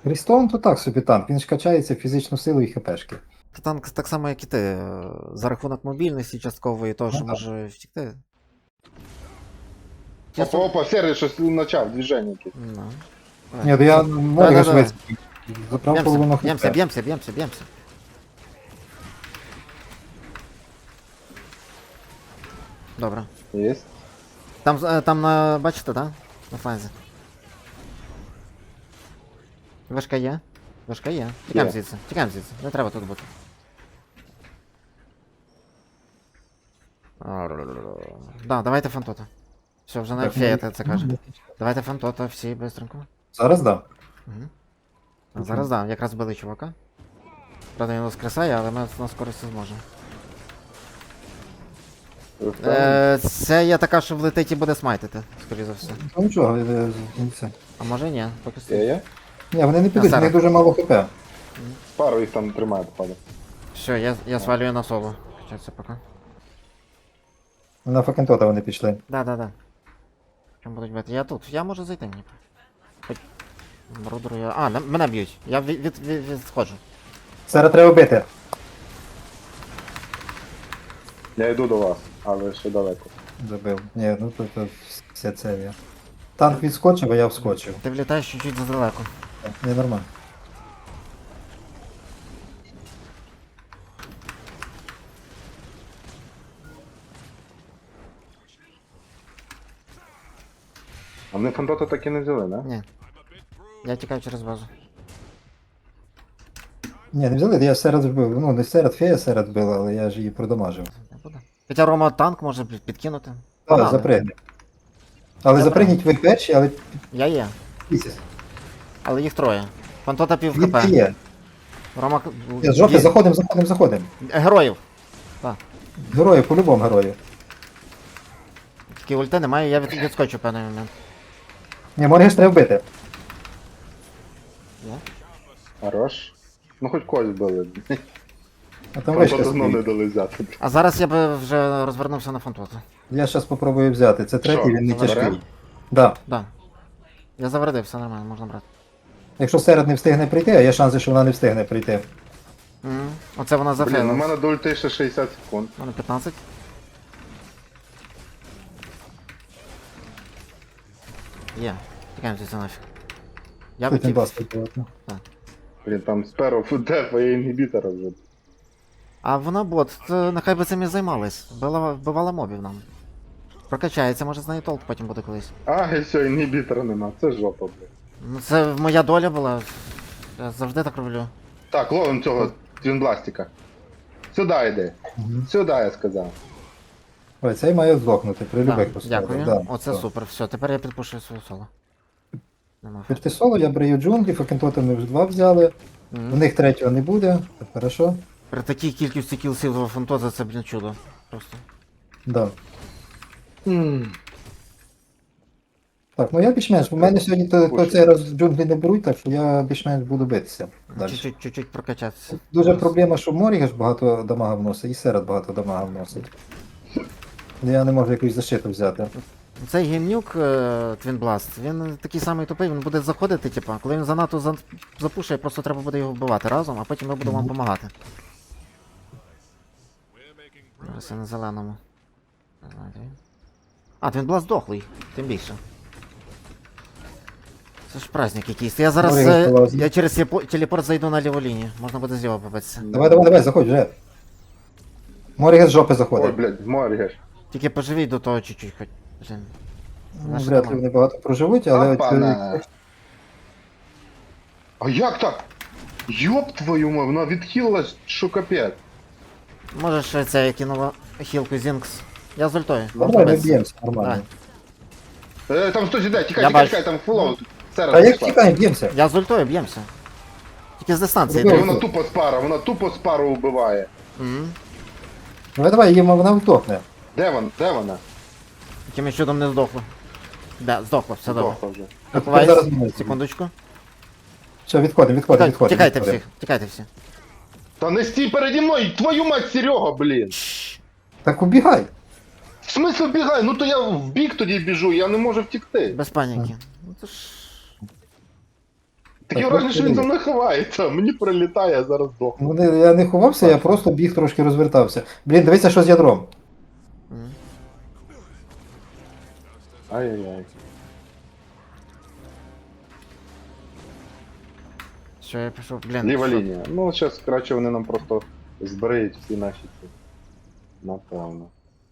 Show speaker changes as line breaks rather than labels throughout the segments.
Рістон то так собі танк, він ж качається в фізичну силу і хпшки.
Та танк так само, як і ти. За рахунок мобільності часткової, того, що
так.
може втікти.
Опа, опа, серый щось почав, движення якесь.
Ну.
Ні, то я Моріга
Да-да-да.
швидкий. Забрав половину
Б'ємся,
хп.
б'ємся, б'ємся, б'ємся. Добре.
Єсть.
Там на, бачите, так? На фланзі. Вишка є? Вишка є. Тікаємо
Є.
звідси, тікаємо звідси. Не треба тут бути. Да, давайте фантота. Все, вже навіть
Так,
фея
ну,
це каже. Давайте фантота, всі бистренько.
Зараз да.
Угу. Зараз да, якраз били чувака. Правда, він воскресає, але ми на скорості зможемо. Це є така, що влетить і буде смайтити, скоріше за все.
Ну нічого, це.
А може і ні, поки
Є,
що.
є?
Ні, вони не підуть, в
зараз.
них дуже мало хп.
Пару їх там тримає, походу.
Все, я свалюю на соло. Качаться поки.
На Факентота вони пішли.
Да. Чому будуть бити? Я тут, я можу зайти мені. Хоч... Брудеру я... А, мене б'ють. Я відходжу.
Зараз треба бити.
Я йду до вас, але ще далеко.
Забив. Ні, ну то все це я. Танк відскочив, а я вскочив.
Ти влітаєш чуть-чуть задалеко.
Не нормально.
А вони фантота так і не взяли, да?
Ні. Я тікаю через базу.
Ні, не взяли, я серед вбив. Ну, не серед, фея серед била, але я ж її продамажив.
Не буде. Хоча Рома танк може підкинути.
Так,
Погнали.
запригни. Але
Я
запригніть ви перші, але
Я є.
місяць.
Але їх троє. Фантота пів
Він
хп.
є.
Рома...
З жовти,
Є.
заходимо.
Героїв.
Герої, по-любому герої.
Тільки ульти немає, я відскочу в певний момент.
Ні, Моргеш треба вбити.
Є?
Хорош. Ну хоч когось били.
А там вишка
Фантота знову не
стоїть.
дали взяти.
А зараз я би вже розвернувся на фантоту.
Я зараз спробую взяти. Це третій,
Що,
він не
заберем?
тяжкий. Да.
Да. Я завердив, все нормально, можна брати.
Якщо серед не встигне прийти, а є шанси, що вона не встигне прийти.
Оце вона
Блін, у
зафейлила.
мене до ульти ще 60 секунд.
У мене 15. Є. Тікаємо звідси нафіг. Я
Тут не
хотів.
басить.
Блін, там сперу фудефа і інгібітора вже.
А вона бот, то нехай би цим і займалась. Вбивала мобів нам. Прокачається, може з нею толк потім буде колись.
А, і все, інгібітора нема. Це жопа, блін.
Ну це моя доля була. Я завжди так роблю.
Так, ловим цього твінбластика. Сюди йди.
Мгм.
Сюди, я сказав.
Ой, цей має здохнути при
Да,
любих поставках.
дякую.
Да,
Оце
все.
супер. Все, тепер я підпушую своє соло. Нема.
Під соло я брию джунглі, Факентота ми вже два взяли. В них третього не буде. Так, хорошо.
При такій кількості кілсів фантоза це, блін, чудо. Просто.
Да. Так, ну я більш-менш. У мене сьогодні то цей раз джунглі не беруть, так що я більш-менш буду битися. Далі.
Чуть-чуть прокачатися.
Дуже проблема, що Морігаш багато дамага вносить, і серед багато дамага вносить. Я не можу якусь защиту взяти.
Цей геймнюк Твінбласт, він такий самий тупий, він буде заходити, типа, коли він занадто запушує, просто треба буде його вбивати разом, а потім ми будемо вам допомагати. Зараз я на зеленому. А, Твінбласт дохлий, тим більше. Це ж праздник якийсь. Я зараз я через телепорт зайду на ліву лінію, можна буде зліва побитися.
Давай, заходь вже. Морігаш з жопи
Ой,
заходить.
блядь, моргеш.
Тільки поживіть до того чуть-чуть хоч. Блін.
Ну,
Наша
вряд ли
команда.
вони багато проживуть, але...
Опана. А як так? Йоп твою мать, вона відхилилась, що капець.
Можеш це я кинула хілку Зінкс. Я з ультою.
Нормально, ми
битися.
б'ємося, нормально.
Там хтось іде,
Я
тікай,
бачу.
там фулоут.
А як тікаємо, б'ємося?
Я з ультою б'ємося. Тільки з дистанції.
Робив.
Вона тупо з пару вбиває.
Мгм.
Давай, її вона втохне.
Де вона?
Якимось чудом не здохло. Да, здохло, все добре.
Здохла вже.
Ховайся.
Зараз мінус.
Секундочку.
Все, відходимо.
Тікайте всі, тікайте всі.
Та не стій переді мною, твою мать, Серега, блін.
Так убігай.
В смислі бігай? Ну то я в бік тоді біжу, я не можу втікти.
Без паніки. Ну, це ж...
Таке враження, що він за мною ховається, мені прилітає, я зараз здохну.
Ну, я не ховався, я просто біг трошки розвертався. Блін, дивися, що з ядром.
М.
Ай-яй-яй.
Що я пішов, блін.
Ліва
що-
лінія. Ну, зараз, коротше, вони нам просто збереють всі наші ці. Напевно.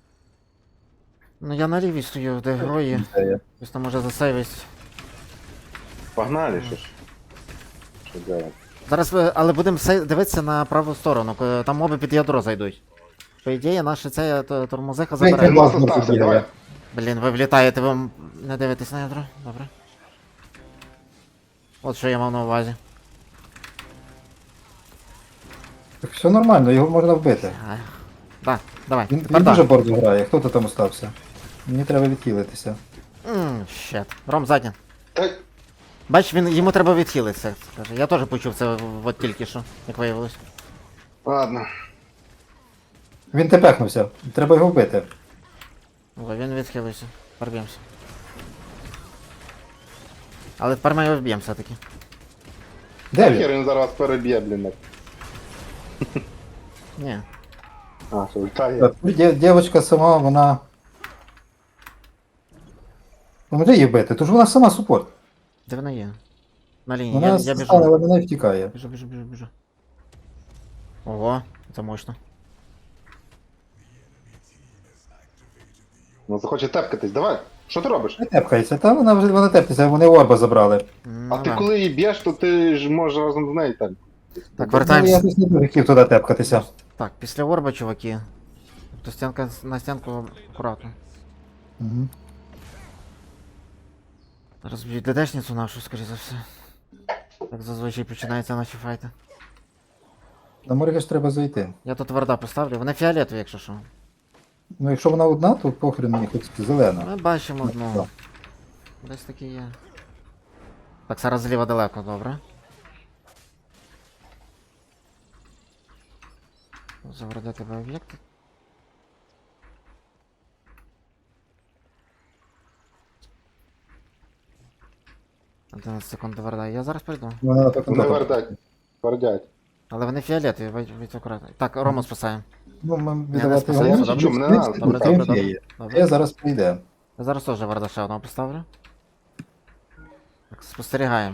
Ну я на лівій стою, де герої. Хтось там може засейвись.
Погнали, що ж. Що делать?
Зараз, але будемо дивитися на праву сторону, там моби під ядро зайдуть. По ідеї, наша ця тормозиха
Дай,
забере.
дай.
Клас
Ладно,
остався,
бігає.
давай.
Блін, ви влітаєте, ви не дивитесь на ядро? Добре. От що я мав на увазі.
Так все нормально, його можна вбити.
Так, давай,
Він
тепер
дуже
так.
бордо грає, хто то там остався? Мені треба відхилитися.
Щет. Ром задня.
Та,
Бач, йому треба відхилитися. Каже. Я теж почув це от тільки що, як виявилось.
ладно.
Він тепехнувся, треба його вбити.
О, він відхилився. Порвемося. Але тепер ми його вб'ємо все-таки.
Де він?
Хер він зараз переб'є, блін.
Ні.
А, що літає.
Так, Дівчинка сама, вона. Ну може її вбити, то ж вона сама супорт.
Де вона є? На лінії,
Вона
я біжу.
стане, але вона і втікає.
Біжу. Ого, це мощно.
Ну захоче тепкатись, давай. Що ти робиш?
Не тепкається, та вона тепкається, вони орба забрали.
Ну,
А ти
да.
коли її б'єш, то ти ж можеш разом з нею там.
Так,
Ну, я
вертаємося.
якось не дуже хотів туди тепкатися.
Так, після орба, чуваки. То стінка на стінку акуратно.
Угу.
Розб'ють ДДшницю нашу, скоріше за все. Так зазвичай починаються наші файти.
На Моргаш треба зайти.
Я тут варда поставлю, вони фіолетові, якщо що.
Ну якщо вона одна, то похрен мені хоч зелена.
Ми бачимо одну.
Так.
Десь таки є. Так, зараз зліва далеко, добре. Заведе тебе об'єкти. «11 секунд до варда. Я зараз прийду.
Вона так
Вони вердять. Вердять.
Але вони фіолетові, будь акуратно. Так, Рому спасаємо.
Ну, ми
не
віддавати
спасаю,
його.
добре,
чому, не надо.
Добре, добре, добре. Добре.
Я зараз прийде.
Я зараз теж варда ще одного поставлю. Так, спостерігаємо.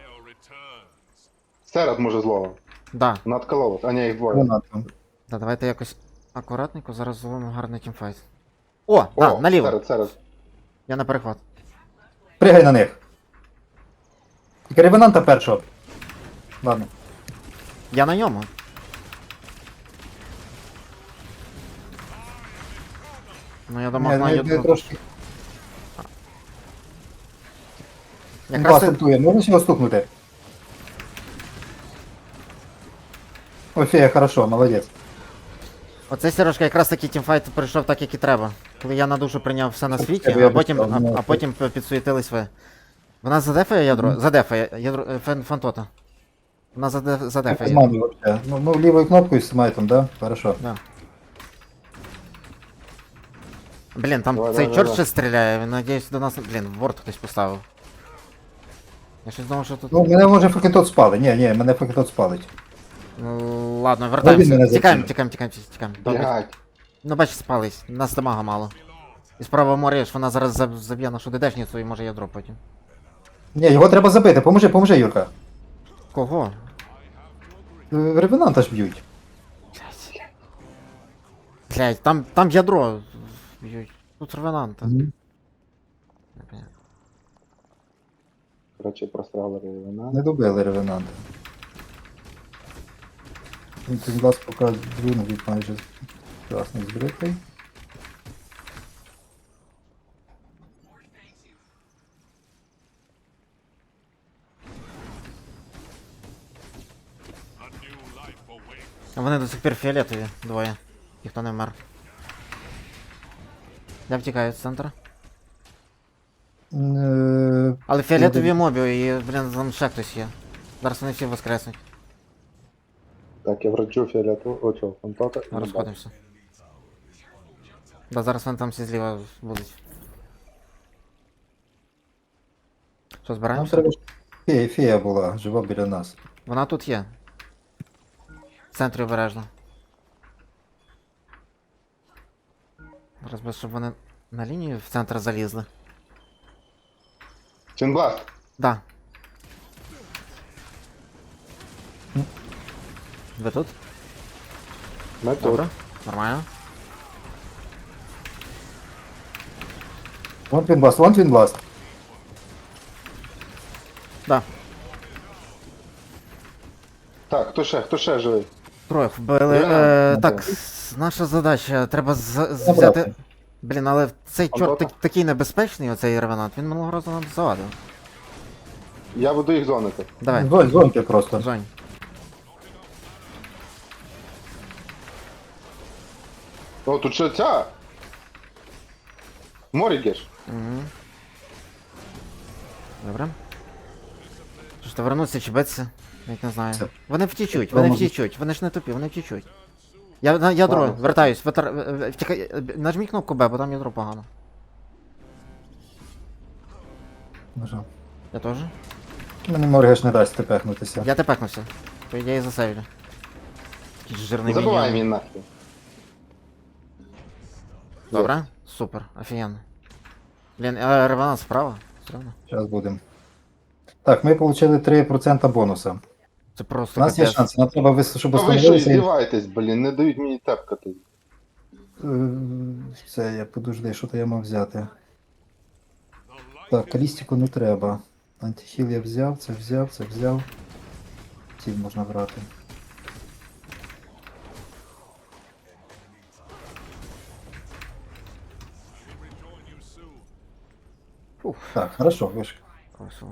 Серед може злого.
Да,
Надкололось. А ні, їх двоє.
Вона там.
да, давайте якось акуратненько, зараз зловимо гарний тімфайт. О, да,
О,
наліво.
Серед.
Я на перехват.
Пригай на них. Тільки ревенанта першого. Ладно.
Я на ньому. Ну я думав,
Не
на
трошки. Він
якраз
вас
ти...
ультує, можна його стукнути? Ой, фея, хорошо, молодець.
Оцей Сережка якраз таки тімфайт прийшов так, як і треба. Коли я на душу прийняв все на світі,
Я
а потім,
бачив, ну,
а потім підсуетились ви. Вона задефає ядро? Задефає ядро фантота. Вона задефає.
Зману вообще. Ну, лівою кнопкою з смайтом, да? Хорошо.
Да. Блін, там
Давай,
цей
давай,
чорт
давай.
ще стріляє, він надіюсь до нас. Блін, ворд хтось поставив. Я щось думав, що тут.
Ну, мене може факетот спали. Ні, мене факетот спалить.
Ну, ладно,
Він
вертаємося.
мене
Тікаємо,
закинув.
тікаємо. Добре.
Блядь.
Ну бач, спались, нас дамага мало. І справа морєш, вона зараз заб'є нашу ДДшницю і може ядро потім.
Ні, його треба забити. Поможи, Юрка.
Кого?
Ревенанта ж б'ють.
Блять, там ядро б'ють. Тут ревенанта. Непонятно.
Короче, просрали ревена.
Не добили ревенанта. Він тут глаз показує друг майже красний збритий.
А вони до сих пір фіолетові, двоє. Ніхто не вмер. Я втікаю з центру. Але фіолетові мобі і, блін, там ще хтось є. Зараз вони всі воскреснуть.
Так, я враджу фіолету. О, чого, фантота.
Розходимося. Да, зараз вони там всі зліва будуть. Що,
Нам
збираємося?
треба Фея була, жива біля нас.
Вона тут є. В центрі обережно. Зараз би, щоб вони на лінію в центр залізли.
Твінбласт.
Да. Ви тут?
Ми тут.
Добре. Нормально.
Вон Твінбласт, вон Твінбласт.
Да.
Так, хто ще живий?
Троє вбили.
Реально?
Так, наша задача, треба взяти.
Забрати.
Блін, але цей чорт
Антоха?
такий небезпечний, оцей ревенант, він минулого разу нам завадив.
Я буду їх зонити.
Давай,
Зоньки просто.
Жонь.
О, тут ще ця! Морігеш.
Угу. Добре. Що ж, то вернуться чи битися? Навіть не знаю.
Це-
Вони втічуть,
це
вони
може-
втічуть, вони ж не тупі, вони втічуть. Я на ядро,
Ладно.
вертаюсь, втікай, нажміть кнопку Б, бо там ядро погано.
Нажав.
Я теж.
Мені Моргеш не дасть тепехнутися.
Я тепекнувся. По ідеї засейвлю. Якийсь жирний
Забивай
міньйон.
мені нахер.
Добре, супер, офігенно. Блін, а реванант справа? Все одно.
Зараз будемо. Так, ми отримали 3% бонуса.
Це
У
просто
нас є
капець.
шанс, нам треба, щоб
А ви що,
встановилися.
іздіваєтесь, блін, не дають мені тепкати.
Це я подожди, що то я мав взяти. Так, калістику не треба. Антихіл я взяв, це взяв, це взяв. Ці можна брати.
Фух,
Так, хорошо, вишка.
красиво.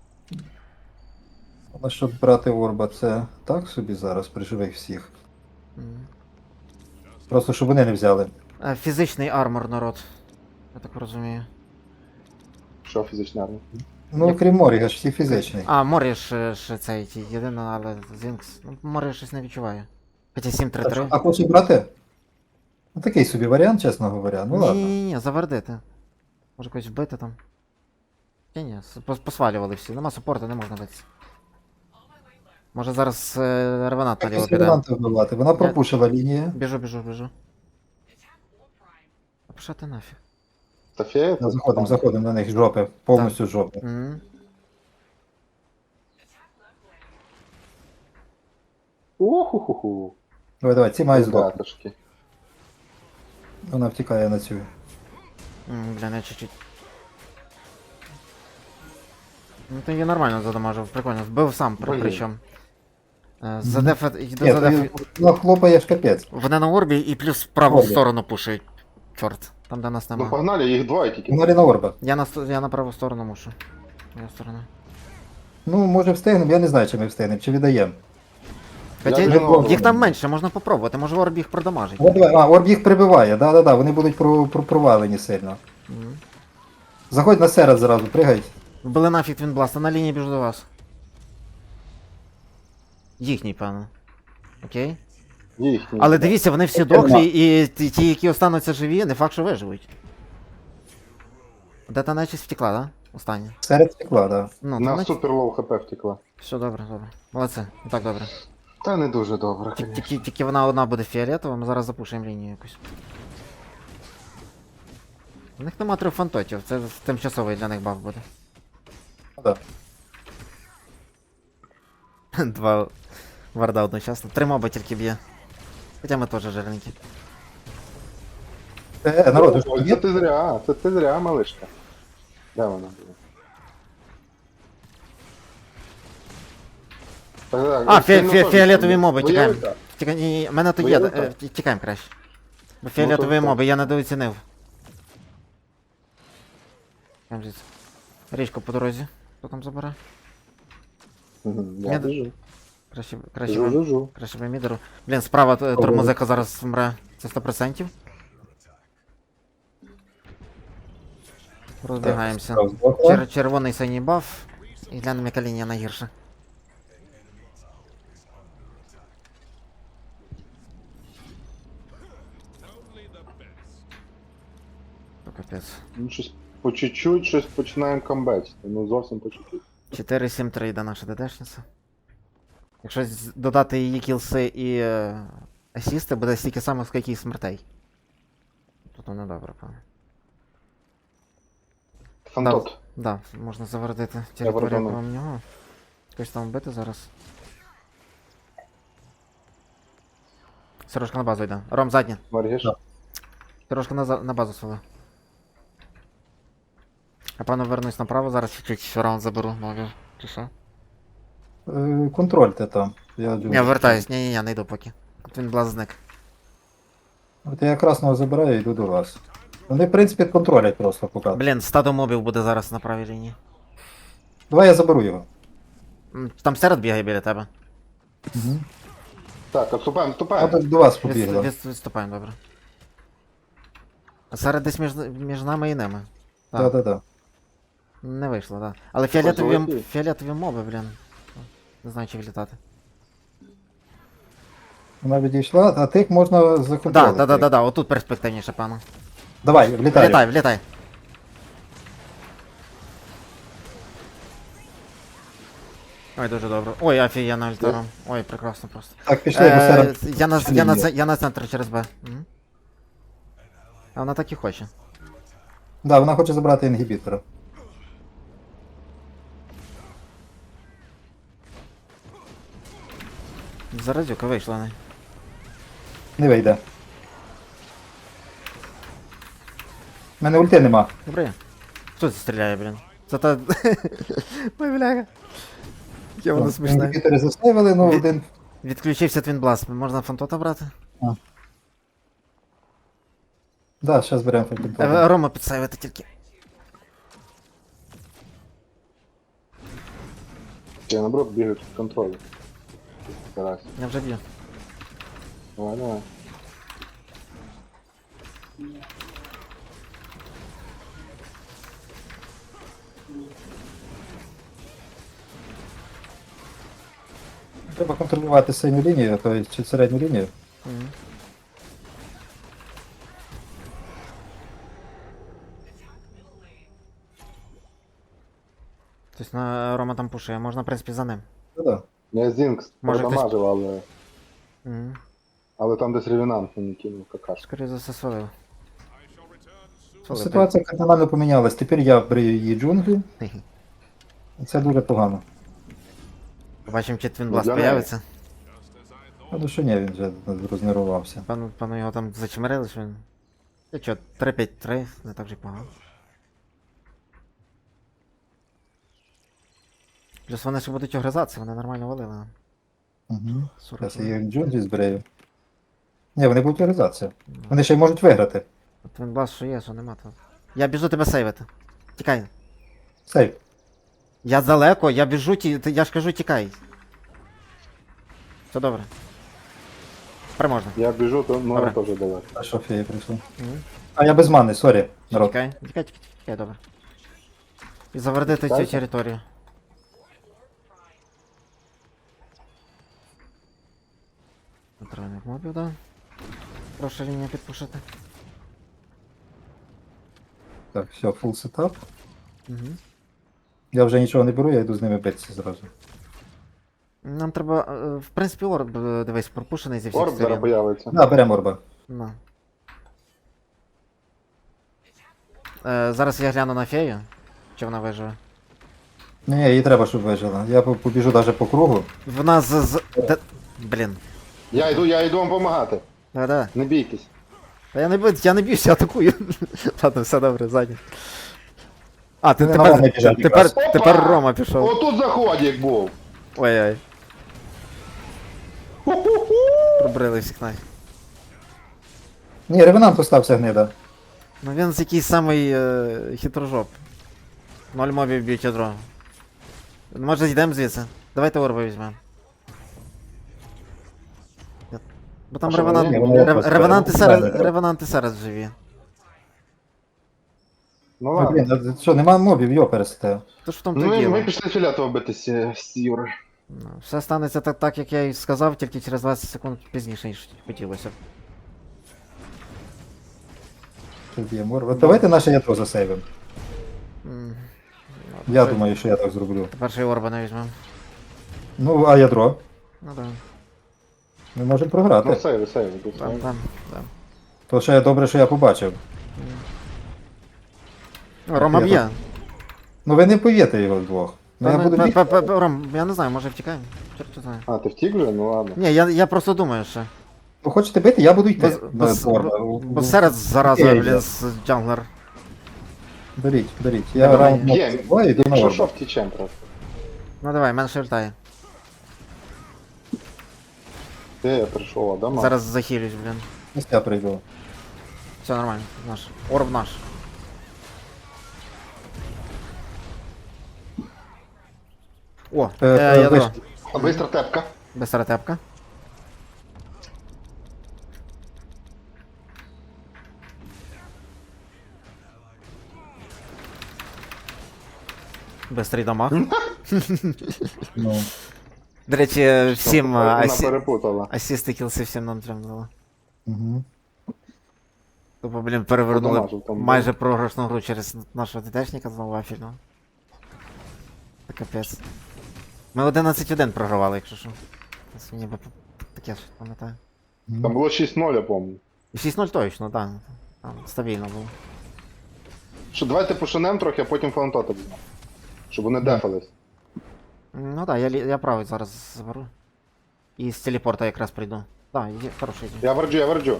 Але щоб брати Орба, це так собі зараз при живих всіх.
Мгм.
Просто щоб вони не взяли.
Фізичний армор, народ. Я так розумію.
Що фізична армія?
Ну, крім Моріга, ж всі фізичний.
А, Морі ще цей єдине, але Зінкс. Ну, Морі щось не відчуває. Хоча
А що,
7-3-3.
а хочеш брати? Ну такий собі варіант, чесно говоря. Ну ладно.
Ні, завердити. Може когось вбити там. Ні, посвалювали всі. Нема супорту, не можна битися. Може зараз реванат наліво
Якось
піде.
варіанти вбивати. Вона пропушила лінію.
Біжу. А пішла ти нафіг.
Та фея?
Ну, заходимо на них з жопи, повністю з жопи.
Мгм.
Уху-ху-ху.
Давай, ці мають здохнути.
Ребятушки.
Вона втікає на цю.
Бля, не чуть-чуть. Ну ти її нормально задамажив, прикольно. Вбив сам,
Блін.
причому. Задеф, йду
Ні,
задеф.
ну хлопаєш капець.
Вони на орбі і плюс в праву
Орбі.
сторону пушають. Чорт, там де нас
Ну
нема.
погнали, їх двоє тільки.
Вона на Орба.
Я на праву сторону мушу. Моя сторона.
Ну, може встигнемо, я не знаю, чи ми встигнемо, чи віддаємо.
Хоча
вже на орбі.
їх там менше, можна попробувати, може орб їх продамажить.
От давай, Орб їх прибиває, да, вони будуть провалені сильно.
Мгм.
Заходь на серед зразу, пригай.
Вбили нафіг Твінбласта, на лінії біжу до вас. Їхній, певно. Окей.
Їхні.
Але дивіться, вони всі дохлі, і ті, які остануться живі, не факт, що виживуть. Де та нечість втекла, да? Остання.
Серед стекла, да.
Ну,
На
то
супер лоу хп втекла.
все добре. Молодці, і так добре.
Та не дуже добре, звісно.
Тільки вона одна буде фіолетова, ми зараз запушимо лінію якусь. У них нема 3 фантотів, це тимчасовий для них баф буде.
Ну, да.
2 варда одночасно. 3 моби тільки б'є. Хоча ми теж жирненькі.
Народ,
Ой, це ти зря, малишка. Де вона була? Так,
Фіолетові моби, тікаємо.
Воєвика?
Ні, мене тут є,
Воєвика?
тікаємо краще. Бо фіолетові
то-
моби, я недооцінив. Там звідси. Річку по дорозі. Хто там забере?
Мгм,
Я
Я біжу.
Краще ви.
Жу-жу-жу.
Краще ви мідеру. Блін, справа тормозека зараз вмре. Це 100%. Розбігаємося. Червоний синій баф. І глянемо, яка лінія найгірша. То капець.
Ну, щось по чуть-чуть, щось починаємо камбечити. Ну зовсім по чуть-чуть.
4-7-3 йде наша ДДшниця. Якщо додати її кілси і асісти, буде стільки самих, скільки і смертей. Тут воно добре, певно.
Фантот.
Да, можна завердити територію
верну.
кроме нього. Когось там вбити зараз. Сережка на базу йде. Ром, заднє.
Маргіш.
Так.
Сережка на базу свели. Я певно вернусь направо, зараз чуть-чуть раунд заберу, нові. Чи що?
Контрольте там. Я
Ні, вертаюсь, ні, не йду поки. От він блаз зник.
От я красного забираю і йду до вас. Вони, в принципі, контролять просто поки.
Блін, стадо мобів буде зараз на правій лінії.
Давай я заберу його.
Там серед бігає біля тебе.
Угу.
Так, отступаємо,
А
отступаємо.
до вас побігла.
Відступаємо, добре. А серед десь між нами і ними. Так.
Да-да-да.
Не вийшло, так. Да. Але
Золоті.
фіолетові моби, блін. Не знаю, чи влітати.
Вона відійшла, а тих можна законтролити.
Да, отут перспективніше, пану.
Давай, влітай.
Влітай. Ой, дуже добре. Ой, офігенно альтером. Ой, прекрасно просто.
Так, пішли, бо серед...
Я на центр через Б. Мгм. А вона так і хоче.
Да, вона хоче забрати інгібітора.
Заразюка вийшла не.
Не вийде. У мене ульти нема.
Добре. Хто це стріляє, блін? Це та... Ой, бляха. Я воно смішне.
Інгібітори заставили, ну
Від-
один...
Відключився Твінбласт. Можна фантота брати?
Да, зараз беремо фальтон.
Рома підсайвити тільки.
Я наоборот бігаю під контролем. Старайся.
Я вже б'ю.
Давай, давай.
Треба контролювати синю лінію, то чи середню лінію.
Мгм. Тобто на Рома там пушує, можна, в принципі, за ним.
Да-да.
Я Зінкс
Може,
продамажив, але...
Угу.
Але там десь ревенант мені кинув какашку.
Скоріше за все свалив. Свалив,
Ситуація кардинально помінялась. Тепер я брию її джунглі,
блін.
і це дуже погано.
Побачимо, чи Твінбласт
для неї.
появиться.
Ну що ні, він вже рознервувався.
Пану його там зачмирили, що він. І чо, 3-5-3, не так же й погано. Плюс вони ще будуть огризатися, вони нормально валили.
Угу.
40
Зараз я їх джунглі збрию. Ні, вони будуть організація. Вони ще й можуть виграти.
Твінбласт що є, що нема, то. Я біжу тебе сейвити. Тікай.
Сейф.
Я далеко, я біжу, я ж кажу, тікай. Все добре. Переможно.
Я біжу, то ну
Добре.
теж давай.
А що фея прийшла?
Мгм.
А я без мани, сорі. Народ.
Тікай, добре. І завердити цю
Тікайте.
територію. Центральних мобів, да. Прошу лінію підпушити.
Так, все, фул сетап.
Угу.
Я вже нічого не беру, я йду з ними битися зразу.
Нам треба, в принципі, орб, дивись, пропушений зі всіх
Орб зараз
сторін.
появиться.
Да, беремо орба.
Ну. Зараз я гляну на фею. Чи вона виживе?
Ні, їй треба, щоб вижила. Я побіжу навіть по кругу.
Вона Блін.
Я йду вам допомагати.
Да.
Не бійтесь.
Та я не б'юся, я атакую. Ладно, все добре, ззаді. А,
Вони на мене біжать якраз.
тепер
Опа!
Рома пішов.
Отут заходик був.
Ой-ой.
Ху-ху-ху.
Пробрили всіх най.
Ні, ревенант остався гнида.
Ну він з якийсь самий хитрожоп. 0 мобів б'ють ядро. Може зійдемо звідси? Давайте орба візьмемо. Бо там
А що, вони-
вони просто
ревенанти зараз живі.
Ну
Ну,
ладно.
блін, а що, нема мобів, йо пересте.
То ж в тому
Ну,
то
ми
діло.
пішли філятово битися з Юрою.
Ну, все станеться так, як я і сказав, тільки через 20 секунд пізніше, ніж хотілося б.
Тут є морва. Давайте наше ядро засейвимо.
М,
Я думаю, що я так зроблю.
Перший орба не візьмемо.
Ну, а ядро?
Ну да.
Ми можемо
Ну,
програти.
сейв.
Там, там.
То ще добре, що я побачив.
Ну, Рома
Я
б'є.
Ну ви не повіте його вдвох. Ну я буду бігти.
Ром, я не знаю, може втікаємо. Чорт його знає.
А, ти втік вже? Ну ладно.
Ні, я просто думаю, що.
Ви хочете бити, я буду йти.
Бо серед зараза,
Окей,
блін,
да.
з джанглер.
Беріть. Я
Давай,
раунд
б'єм.
йду на
Якщо
орбу.
що, втічем просто.
Ну давай, менше вертає.
Де я прийшов, Адама?
Зараз захилюсь, блін.
Ось я прийду.
Все нормально, наш. Орб наш. О, ядро.
виш-
А бистра тепка.
Бистра тепка. Бистрий дамаг.
Ну,
До речі, всім
Вона перепутала.
асісти кілси всім нам прям дало.
угу.
Тобто, блін, перевернули
Подамажив там,
майже програшну гру через нашого ДТшника знову вафільного. Це капець. Ми 11-1 програвали, якщо що. Це ніби таке ж пам'ятаю.
Там було 6-0, я пам'ятаю.
І 6-0 точно, так. Там стабільно було.
Що, давайте пошинем трохи, а потім фаунтота візьмемо. Щоб вони дефались.
Ну так, я правий зараз заберу. І з телепорта якраз прийду. Так, є хороший день.
Я верджу.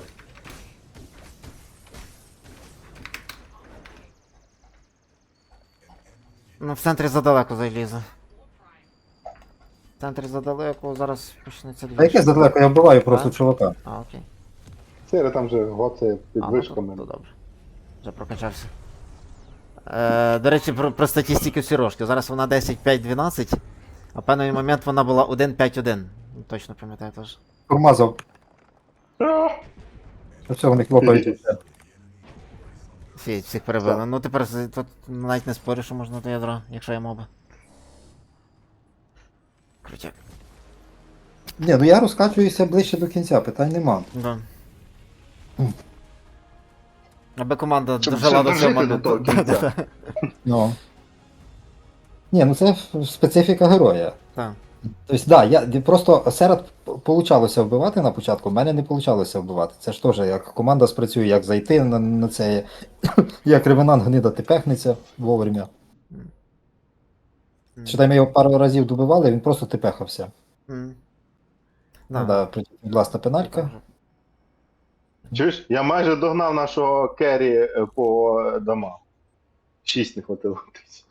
Ну, в центрі задалеко залізе. В центрі задалеко, зараз почнеться
А яке задалеко, я вбиваю просто
Так?
чувака.
А, окей.
Сири там вже гоцає під
А, ну,
вишками.
то добре. Вже прокачався. До речі, про статистику Сірошки. Зараз вона 10-5-12, а в певний момент вона була 1-5-1. Точно пам'ятаю теж.
Промазав. Все, вони хлопають.
Всіх перебили. Ну тепер тут навіть не спорю, що можна до ядра, якщо я моба. Крутяк.
Ні, ну я розкачуюся ближче до кінця, питань нема.
Да. Аби команда
Щоб
дожила
ще
до цього
дожити до того
моменту.
кінця.
Ну. Ні, ну це специфіка героя.
Так.
Тобто, да, просто серед получалося вбивати на початку, в мене не получалося вбивати. Це ж теж як команда спрацює, як зайти на це, як ревенант гнида тепехнеться вовремя. Читай, ми його пару разів добивали, він просто тепехався.
М.
Ну, да, власна пеналька.
Чуєш? Я майже догнав нашого керрі по домам. 6 не хватило.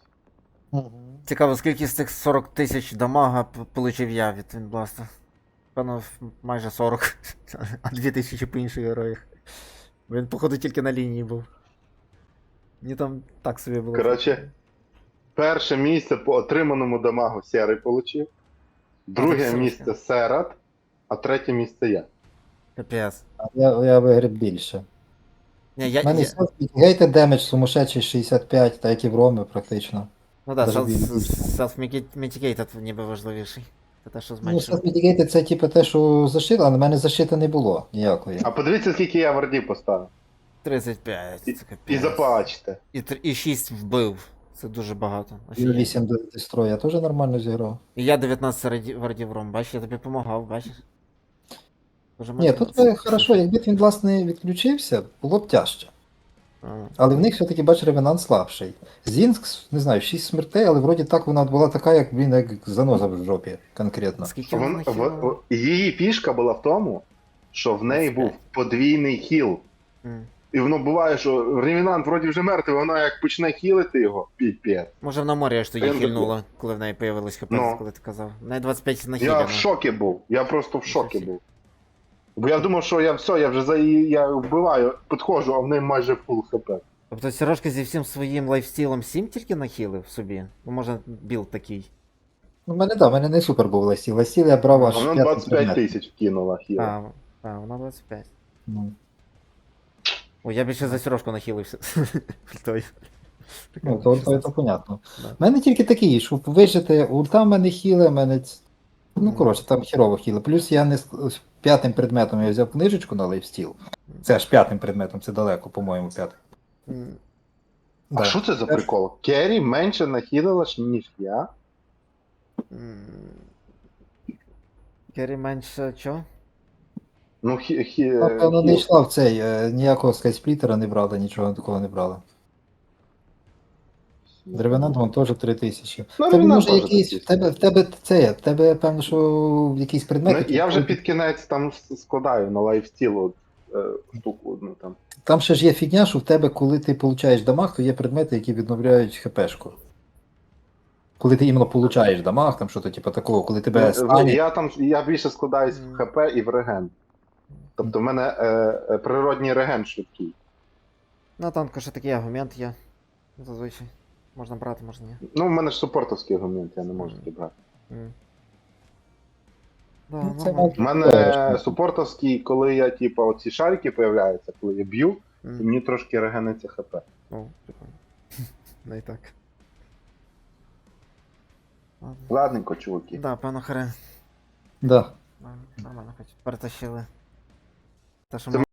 Цікаво, скільки з цих 40 тисяч дамага получив я від Вінбласта. Певно, майже 40. А 2000 по інших героях. Він, походу, тільки на лінії був. Мені там так собі було.
Коротше, перше місце по отриманому дамагу Серий получив. Друге
так
місце Серат, а третє місце я.
Капець.
Я виграв більше.
Ні,
У мене гейте демедж сумасшедший 65, так як і в Ромі практично.
Ну так,
Даже більше.
self-mitigate ніби важливіший. Це те, що
Ну,
зменшує.
self-mitigate це типу те, що защита, але в мене защити не було ніякої.
А подивіться, скільки я вардів поставив.
35, це капець.
І запачте.
І 6 вбив. Це дуже багато.
І
Офігеть.
8 до дестрою я теж нормально зіграв.
І я 19 вардів ром, бачиш, я тобі допомагав, бачиш? Дуже
Ні, тут хорошо, якби він, власне, відключився, було б тяжче. Але в них все-таки, бач, ревенант слабший. Зінкс, не знаю, 6 смертей, але вроді так вона була така, як, блін, як заноза в жопі конкретно.
Скільки вона хіла?
Її фішка була в тому, що в неї був
25.
подвійний хіл. І воно буває, що ревенант вроді вже мертвий, вона як почне хілити його, піпець.
Може на морі аж тоді
Я
хильнула, коли в неї появилось хп,
Ну.
коли ти казав. В неї 25
Я
нахилено.
в шокі був. Я просто в шокі
Нічого
був. Бо я думав, що я все, я вже за її я вбиваю, підходжу, а в неї майже фул хп.
Тобто Сірошка зі всім своїм лайфстілом 7 тільки нахилив собі? Ну може білд такий.
Ну, в мене, да, в мене не супер був ластіл. Ластіл я брав аж
А вона
5
25 тисяч вкинула хіл.
А, вона 25.
Ну,
О, я більше за Сірошку нахилився. Той.
ну то понятно.
Да.
У мене тільки такий, щоб вижити, ульта в мене хіле, в мене... Ну, коротше, там хірово хіле. Плюс я не п'ятим предметом я взяв книжечку на лайфстіл. Це аж п'ятим предметом, це далеко, по-моєму, п'ятим.
А
Да.
що це за прикол? Керрі менше нахилила, ніж я?
М, Керрі менше чо?
Ну,
Напевно, не
хіл.
йшла в цей, ніякого скайсплітера не брали, нічого такого не брали. Ревенант вон теж 3000.
Ну,
В тебе
Ревенант
може
теж
якийсь,
такий.
в тебе, певно, що якийсь предмет,
Ну,
який
я вже
входить-
під кінець там складаю на лайфстіл штуку одну там.
Там ще ж є фігня, що в тебе, коли ти получаєш дамаг, то є предмети, які відновляють хпшку. Коли ти іменно получаєш дамаг, там що-то типу такого, коли тебе стані.
Я більше складаюсь в ХП і в реген. Тобто в мене природній реген швидкий.
На танку ще такий аргумент є. Зазвичай. Можна брати, можна ні.
Ну, в мене ж супортовський аргумент, я не можу такий брати.
М. Да,
Ну, це
нормально.
У мене супортовський, коли я, типу, оці шарики появляються, коли я б'ю, і
М.
мені трошки регениться ХП.
О, прикольно. Не і так. Ладно.
Ладненько, чуваки.
Да, певно харе.
Да.
Нормально, хоч перетащили. Те, що
Це